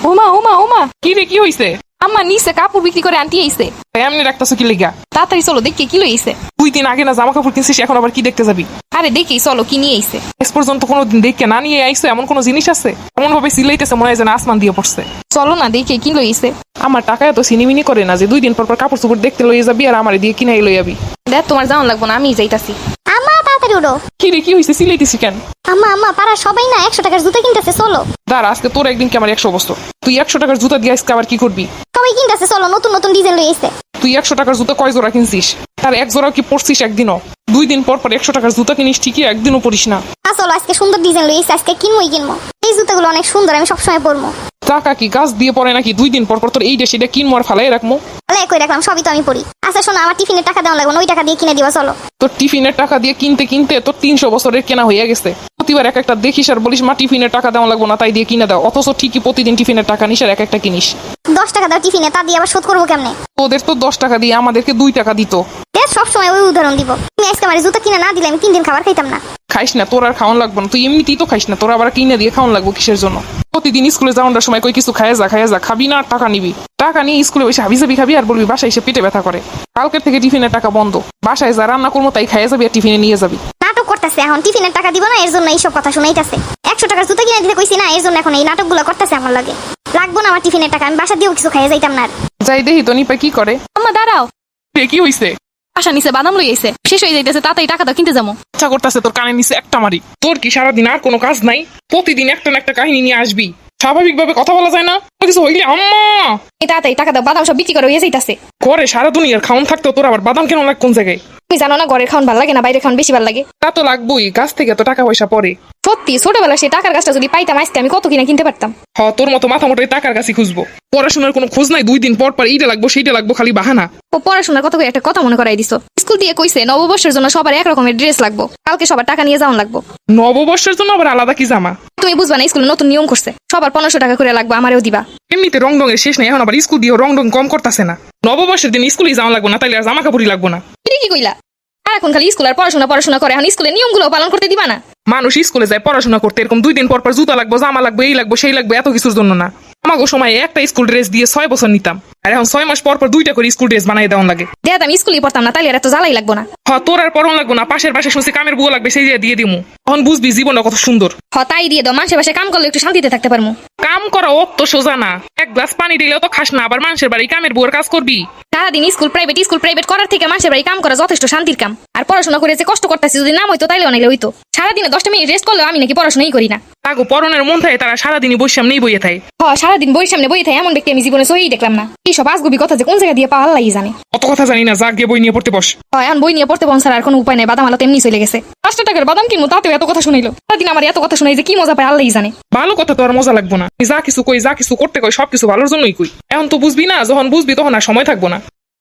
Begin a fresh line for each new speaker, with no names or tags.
ওমা ওমা ওমা,
কি রে, কি হইছে?
আম্মা নিচে কাপড় বিক্রি করে আনটি আইছে।
এমনি রাখতেছো কি লেগা?
তাড়াতাড়ি চলো দেখি কি লইছে।
2 দিন আগে না জামা কাপড় কিনছিস, এখন আবার কি দেখতে যাবি?
আরে দেখি চলো কি নিয়ে আইছে।
এস পর্যন্ত কোনোদিন দেখে না নিয়ে আইসো এমন কোনো জিনিস আছে? এমন ভাবে সিলাইতেছে মনে হয় যেন আসমান দিয়ে পড়ছে।
চলো না দেখি কি লইছে।
আমার টাকা এত সিনিমিনি করে না যে 2 দিন পর পর কাপড় চোপড় দেখতে লইয়ে যাবি আর আমারে দিয়ে কিনাই লই যাবি।
দেখ তোমার যাওয়ান লাগবো না, আমি যাইতাছি।
আম্মা তাড়াতাড়ি উঠো।
কি রে, কি হইছে? সিলাইতেছি কেন?
আম্মা আম্মা পাড়ার সবাই না 100 টাকার জুতা কিনতেছে, চলো।
দাঁড়া, আজকে তোর একদিন কি আমার 100 বছর। তুই 100 টাকার জুতা দিয়ে আজকে আবার কি করবি?
সবাই কিনতেছে, চলো, নতুন নতুন ডিজাইন লই এসে।
তুই 100 টাকার জুতা কয় জোড়া কিনছিস? তার এক জোড়াও কি পরছিস একদিনও? 2 দিন পর পর 100 টাকার জুতা কিনিস ঠিকই, একদিনও পরিস না।
চলো আজকে সুন্দর ডিজাইন লই এসে, আজকে কিনবই কিনবো। এই জুতাগুলো অনেক সুন্দর, আমি সবসময় পরবো।
টাকা কি গাছ দিয়ে পড়ে নাকি? 2 দিন পর পর তোর এইটা সেটা কিনবো আর ফালাই রাখবো?
তাহলে কই রাখলাম, সবই তো আমি পরি। আচ্ছা শোনো, আমার টিফিনের টাকা দেওয়া লাগবে না, ওই টাকা দিয়ে কিনে দিবা, চলো।
তোর টিফিনের টাকা দিয়ে কিনতে কিনতে তোর 300 বছরের কেনা হয়ে গেছে। প্রতিবার এক একটা দেখিস আর বলিস মা টিফিনের টাকা দেওয়া লাগবো না, তাই দিয়ে কিনে দাও। অথচ ঠিকই প্রতিদিন টিফিনের টাকা নিস আর এক একটা কিনিস।
10 টাকা দাও টিফিনে, তা দিয়ে আবার শোধ করবো কেমনে?
তোদের তো 10 টাকা দিয়ে আমাদেরকে 2 টাকা দিত।
দেখ সবসময় ওই উদাহরণ দিব। তুমি আজকে আমার জুতা কিনে না দিলে আমি 3 দিন খাবার খাইতাম না।
খাইস না, তোর আর খাওয়ান লাগবো না। তুই এমনিতেই তো খাইস না, তোর আবার কিনে দিয়ে খাওয়ান লাগবো কিসের জন্য? প্রতিদিন স্কুলে যাওয়ার সময় কই কিছু খাইয়া যা, খাবি না আর টাকা নিবি। টাকা নিয়ে স্কুলে বসে হাবি যাবি খাবি আর বলবি বাসায় এসে পেটে ব্যথা করে। কালকের থেকে টিফিনের টাকা বন্ধ। বাসায় যা রান্না করবো তাই খাইয়া যাবি আর টিফিনে নিয়ে যাবি।
নাটক করতেছে এখন, টিফিনের টাকা দিব না এর জন্য এইসব কথা শুনাইতেছে। 100 টাকার জুতা কিনে দিতে কইছি না, এর জন্য এখন এই নাটকগুলো করতেছে আমার লাগে। লাগবো না আমার টিফিনের টাকা, আমি বাসা দিয়েও কিছু খাইয়া যাইতাম না আর।
যাই দেখি তো নিপা কি করে।
আম্মা দাঁড়াও,
কি হইছে?
আশা নিচে বাদাম লই আইছে, শেষ হয়ে যাইতেছে, তাড়াতাড়ি টাকা দাও কিনতে যাবো।
ইচ্ছা করতেছে তোর কানে নিচে একটা মারি। তোর কি সারাদিন আর কোনো কাজ নাই? প্রতিদিন একটা না একটা কাহিনী নিয়ে আসবি। স্বাভাবিকভাবে কথা বলা যায় না? কিছু হইলে আম্মা
এই তাড়াতাড়ি টাকা দাও, বাদাম সব বিক্রি করে হয়ে যাইতাছে।
ঘরে সারা দুনিয়ার খাওন থাকতো, তোর আবার বাদাম কেন লাগ কোন জায়গায়?
তুমি জানো না ঘরের খাওয়ান ভালো লাগে না, বাইরে খাওয়ান বেশি ভালো লাগে।
তা তো লাগবোই, গাছ থেকে তো টাকা পয়সা পড়ে।
সত্যি ছোটবেলা সেই টাকার গাছটা যদি পাইতাম আজকে আমি কত কিনা কিনতে পারতাম।
তোর মতো মাথা মোটাই টাকার কাছে খুঁজবো। পড়াশোনার কোনো খোঁজ নাই, 2 দিন পর পর এইটা লাগবো সেইটা লাগবো, খালি বাহানা।
ও পড়াশোনার কথা কই একটা কথা মনে করাই দিছো। স্কুল দিয়ে কইছে নববর্ষের জন্য সবার এক রকমের ড্রেস লাগবো, কালকে সবার টাকা নিয়ে যাওয়ান লাগবো।
নববর্ষের জন্য আবার আলাদা কি জামা?
তুমি বুঝবা না, স্কুলে নতুন নিয়ম করছে, সবার 1500 টাকা করে লাগবে, আমারও দিবা।
এমনিতে রং রঙের শেষ নাই, এখন আবার স্কুল দিয়ে রং কম করতেছে না। নববর্ষের দিন স্কুলেই যাওয়া লাগবো না, তাইলে আর জামা কাপড়ই লাগবো না।
এটা কি কইলা? আর এখন খালি স্কুল আর পড়াশোনা করে, এখন স্কুলের নিয়মগুলো পালন করতে দিবা না?
মানুষ স্কুলে যায় পড়াশোনা করতে, এরকম 2 দিন পর পর জুতা লাগবো, জামা লাগবে, এই লাগবো সেই লাগবে, এত কিছুর জন্য না। আমাকে সময় একটা স্কুল ড্রেস দিয়ে 6 বছর নিতাম, আর এখন 6 মাস পর পর 2টা করে স্কুল ড্রেস বানাই দেওয়া লাগে।
দেখ আমি স্কুলে পড়তাম না, তাইলে আর এত জ্বালাই লাগবো না।
তোর আর পরন লাগবো না, পাশের পাশে শুনছি কামের বুয়া লাগবে, সেই দিয়ে দিমু। তখন বুঝবি জীবনটা কত সুন্দর।
তাই দিয়ে দাও, মানুষের বাসায় কাম করলে একটু শান্তিতে থাকতে পারবো।
কাম করা অত সোজা না। এক গ্লাস পানি দিলেও তো খাস না, আবার মানুষের বাড়ি কামের বুয়ার কাজ করবি।
সারাদিন স্কুল প্রাইভেট করার থেকে মানুষের বাড়ি কাম করা যথেষ্ট শান্তির কাম। আর পড়াশোনা করে যে কষ্ট করতেছি যদি নাম হইতো তাইলে অনেক হইতো। সারাদিনে 10টা মিনিট রেস্ট করলেও আমি নাকি পড়াশোনাই করি না।
তাগো পরনের মন থাকে, তারা সারাদিনই বই সামনেই বইয়ে থাকে।
সারাদিন বইয়ের সামনে বই থাকে এমন ব্যক্তি আমি জীবনে সহি দেখলাম না। এইসব আজগুবি কথা যে কোন জায়গা দিয়ে পাওয়া আল্লাহই জানে।
অত কথা জানি না, যা গিয়ে বই নিয়ে পড়তে বস।
এখন বই নিয়ে পড়তে বসার আর কোনো উপায় নেই, বাদাম আলো তেমনি চলে গেছে। 5 টাকার বাদাম কিনবো, তাতেও এত কথা শুনাইলো। সারাদিন আমার এত কথা শুনাই যে কি মজা পায় আল্লাহই জানে।
ভালো কথা তো আর মজা লাগবো না। যা কিছু কই, যা কিছু করতে কই, সবকিছু ভালোর জন্যই কই। এখন তো বুঝবি না, যখন বুঝবি তখন আর সময় থাকবো না।